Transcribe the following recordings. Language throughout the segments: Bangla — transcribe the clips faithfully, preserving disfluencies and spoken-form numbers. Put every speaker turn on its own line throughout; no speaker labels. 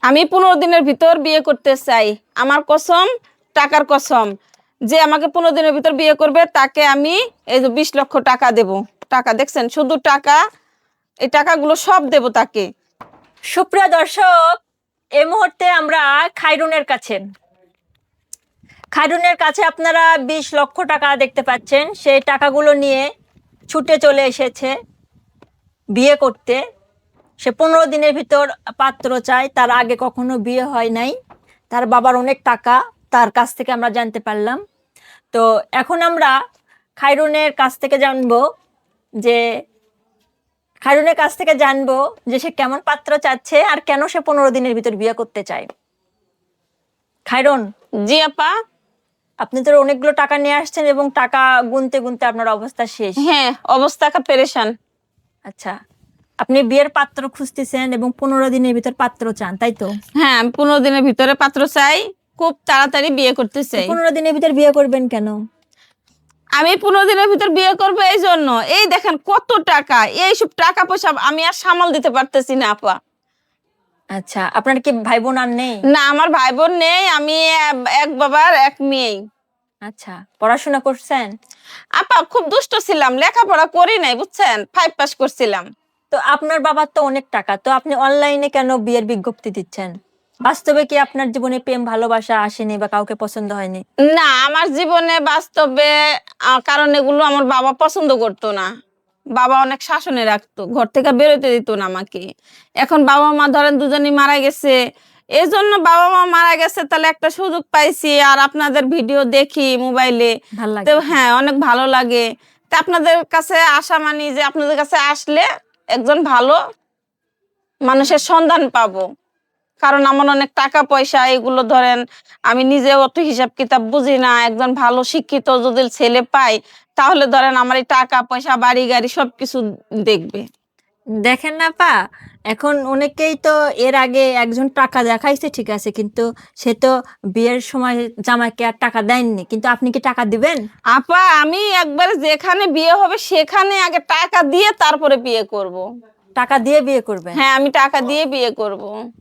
আমি পনেরো দিনের ভিতর বিয়ে করতে চাই। আমার কসম, টাকার কসম, যে আমাকে পনেরো দিনের ভিতর বিয়ে করবে তাকে আমি এই যে বিশ লক্ষ টাকা দেব। টাকা দেখছেন, শুধু টাকা, এই টাকাগুলো সব দেব তাকে।
সুপ্রিয় দর্শক, এই মুহূর্তে আমরা খায়রুনের কাছে খায়রুনের কাছে আপনারা বিশ লক্ষ টাকা দেখতে পাচ্ছেন। সেই টাকাগুলো নিয়ে ছুটে চলে এসেছে বিয়ে করতে। সে পনেরো দিনের ভিতর পাত্র চায়, তার আগে কখনো বিয়ে হয় নাই। তার বাবার অনেক টাকা, তার কাছ থেকে আমরা জানতে পারলাম। তো এখন আমরা খায়রুনের কাছ থেকে জানবো যে খায়রুনের কাছ থেকে জানবো যে সে কেমন পাত্র চাচ্ছে আর কেন সে পনেরো দিনের ভিতর বিয়ে করতে চায়। খায়রুন।
জি আপা।
আপনি তো অনেকগুলো টাকা নিয়ে আসছেন এবং টাকা গুনতে গুনতে আপনার অবস্থা শেষ।
হ্যাঁ, অবস্থা পেরেশান।
আচ্ছা, আপনি বিয়ের পাত্র খুঁজতেছেন এবং পনেরো দিনের ভিতর পাত্র চান, তাই তো?
হ্যাঁ, আমি পনেরো দিনের ভিতরে পাত্র চাই, খুব তাড়াতাড়ি বিয়ে করতে চাই।
পনেরো দিনের ভিতর বিয়ে করবেন কেন?
আমি পনেরো দিনের ভিতর বিয়ে করবো এই জন্য, এই দেখেন কত টাকা, এইসব টাকা পয়সা আমি আর সামাল দিতে পারতেছি না আপা।
আচ্ছা, আপনার কি ভাই বোন আর নেই?
না, আমার ভাই বোন নেই, আমি এক বাবার এক মেয়ে।
আচ্ছা, পড়াশোনা করছেন?
আপা খুব দুষ্ট ছিলাম, লেখাপড়া করি নাই বুঝছেন, ফাইভ পাস করছিলাম।
তো আপনার বাবার তো অনেক টাকা, তো আপনি অনলাইনে কেন বিয়ের বিজ্ঞপ্তি দিচ্ছেন? বাস্তবে কি আপনার জীবনে প্রেম ভালোবাসা আসেনি বা কাউকে পছন্দ হয়নি?
না, আমার জীবনে বাস্তবে কারণ এগুলো আমার বাবা পছন্দ করতো না। বাবা অনেক শাসনে রাখতো, ঘর থেকে বেরোতে দিত না আমাকে। এখন বাবা মা ধরেন দুজনই মারা গেছে, এই জন্য বাবা মা মারা গেছে, তাহলে একটা সুযোগ পাইছি। আর আপনাদের ভিডিও দেখি মোবাইলে, তো হ্যাঁ অনেক ভালো লাগে। তা আপনাদের কাছে আসা মানি যে আপনাদের কাছে আসলে একজন ভালো মানুষের সন্ধান পাবো। কারণ আমার অনেক টাকা পয়সা, এগুলো ধরেন আমি নিজে অত হিসাব কিতাব বুঝি না। একজন ভালো শিক্ষিত যদি ছেলে পাই, তাহলে ধরেন আমার এই টাকা পয়সা বাড়ি গাড়ি সবকিছু দেখবে।
দেখেন না পা, এখন অনেকেই তো এর আগে একজন টাকা দেখাইছে, ঠিক আছে, কিন্তু সে তো বিয়ের সময় জামাইকে আর টাকা দেননি, কিন্তু আপনি কি টাকা দিবেন?
আপা আমি একবার যেখানে বিয়ে হবে সেখানে আগে টাকা দিয়ে তারপরে বিয়ে করব।
টাকা দিয়ে বিয়ে করবেন?
হ্যাঁ, আমি টাকা দিয়ে বিয়ে করব।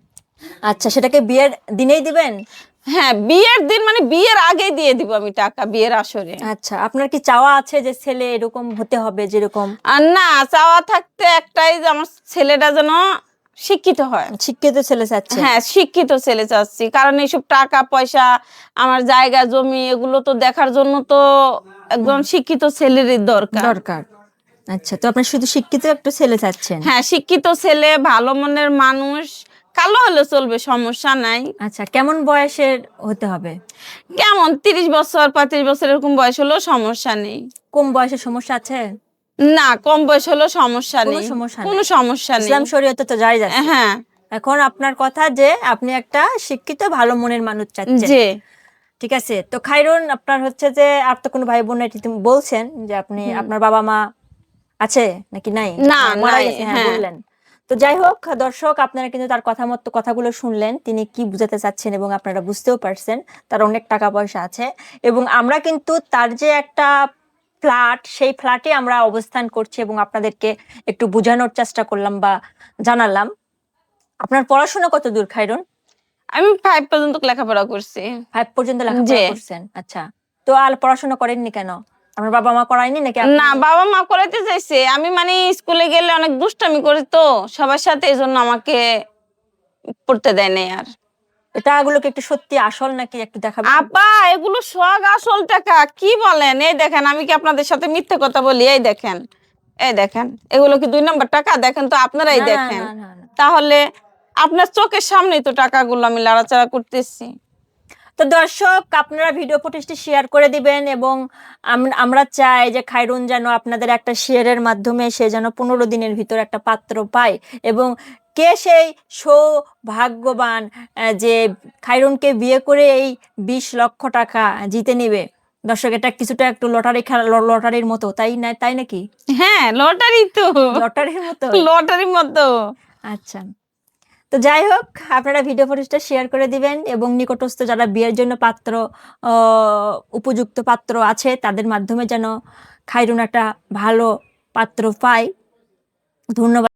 আচ্ছা, সেটাকে বিয়ের দিনেই দিবেন?
হ্যাঁ, বিয়ের দিন মানে বিয়ের আগেই দিয়ে দিব আমি টাকা, বিয়ের আসরে।
আচ্ছা, আপনার কি চাওয়া আছে যে ছেলে এরকম হতে হবে যেরকম?
আর না, চাওয়া থাকতে একটাই, যে আমার ছেলেটা যেন শিক্ষিত হয়।
শিক্ষিত ছেলে চাচ্ছে?
হ্যাঁ, শিক্ষিত ছেলে চাচ্ছি, কারণ এইসব টাকা পয়সা, আমার জায়গা জমি, এগুলো তো দেখার জন্য তো একজন শিক্ষিত ছেলেরই দরকার
দরকার আচ্ছা, তো আপনি শুধু শিক্ষিত একটা ছেলে চাচ্ছেন?
হ্যাঁ, শিক্ষিত ছেলে, ভালো মনের মানুষ, কালো হলে চলবে, সমস্যা নাই।
আচ্ছা, কেমন বয়সের হতে হবে?
কেমন তিরিশ বছর পঁয়ত্রিশ বছর এরকম বয়স হলেও সমস্যা নেই।
কম বয়সে সমস্যা আছে?
না, কম বয়স হলেও সমস্যা নেই, কোনো সমস্যা নেই।
ইসলাম শরীয়তে তো জায়েজ আছে।
হ্যাঁ,
এখন আপনার কথা যে আপনি একটা শিক্ষিত ভালো মনের মানুষ চাচ্ছেন,
জি
ঠিক আছে। তো খায়রুন, আপনার হচ্ছে যে আর তো কোনো ভাই বোন নাই, তুমি বলছেন যে আপনি আপনার বাবা মা আছে নাকি নাই?
না,
মারা
নাই,
গেছে, হ্যাঁ
হ্যাঁ।
বললেন। তো যাই হোক দর্শক, আপনারা কিন্তু তার কথা মতো কথাগুলো শুনলেন, তিনি কি বুঝাতে চাচ্ছেন এবং আপনারা বুঝতেও পারছেন তার অনেক টাকা পয়সা আছে। এবং আমরা কিন্তু তার যে একটা ফ্ল্যাট, সেই ফ্ল্যাটে আমরা অবস্থান করছি এবং আপনাদেরকে একটু বোঝানোর চেষ্টা করলাম বা জানালাম। আপনার পড়াশোনা কত দূর খায়রুন?
আমি ফাইভ পর্যন্ত লেখাপড়া করছি।
ফাইভ পর্যন্ত লেখাপড়া করছেন? আচ্ছা, তো আর পড়াশোনা করেননি কেন? আমার বাবা মা করায়নি নাকি?
না, বাবা মা করাইতে চাইছে, আমি মানে স্কুলে গেলে অনেক দুষ্টামি করি তো সবার সাথে, এই জন্য আমাকে পড়তে দেয় নাই। আর
এটা এগুলোকে একটু সত্যি আসল নাকি একটু দেখাবেন?
আপা এগুলো সব আসল টাকা, কি বলেন? এই দেখেন, আমি কি আপনাদের সাথে মিথ্যে কথা বলি? এই দেখেন, এই দেখেন, এগুলো কি দুই নম্বর টাকা? দেখেন তো, আপনারাই দেখেন। তাহলে আপনার চোখের সামনেই তো টাকাগুলো আমি লাড়াচাড়া করতেছি।
তো দর্শক, আপনারা ভিডিও ফুটেজটি শেয়ার করে দিবেন এবং আমরা চাই যে খায়রুন যেন আপনাদের একটা শেয়ারের মাধ্যমে সে যেন পনেরো দিনের ভিতর একটা পাত্র পায়। এবং কে সেই সৌভাগ্যবান যে খায়রুনকে বিয়ে করে এই বিশ লক্ষ টাকা জিতে নিবে? দর্শক, এটা কিছুটা একটু লটারি খেলা, লটারির মতো, তাই না? তাই নাকি?
হ্যাঁ, লটারি তো,
লটারির মতো,
লটারির মতো।
আচ্ছা, তো যাই হোক, আপনারা ভিডিও ফুটেজটা শেয়ার করে দিবেন এবং নিকটস্থ যারা বিয়ের জন্য পাত্র, উপযুক্ত পাত্র আছে, তাদের মাধ্যমে যেন খায়রুন একটা ভালো পাত্র পায়। ধন্যবাদ।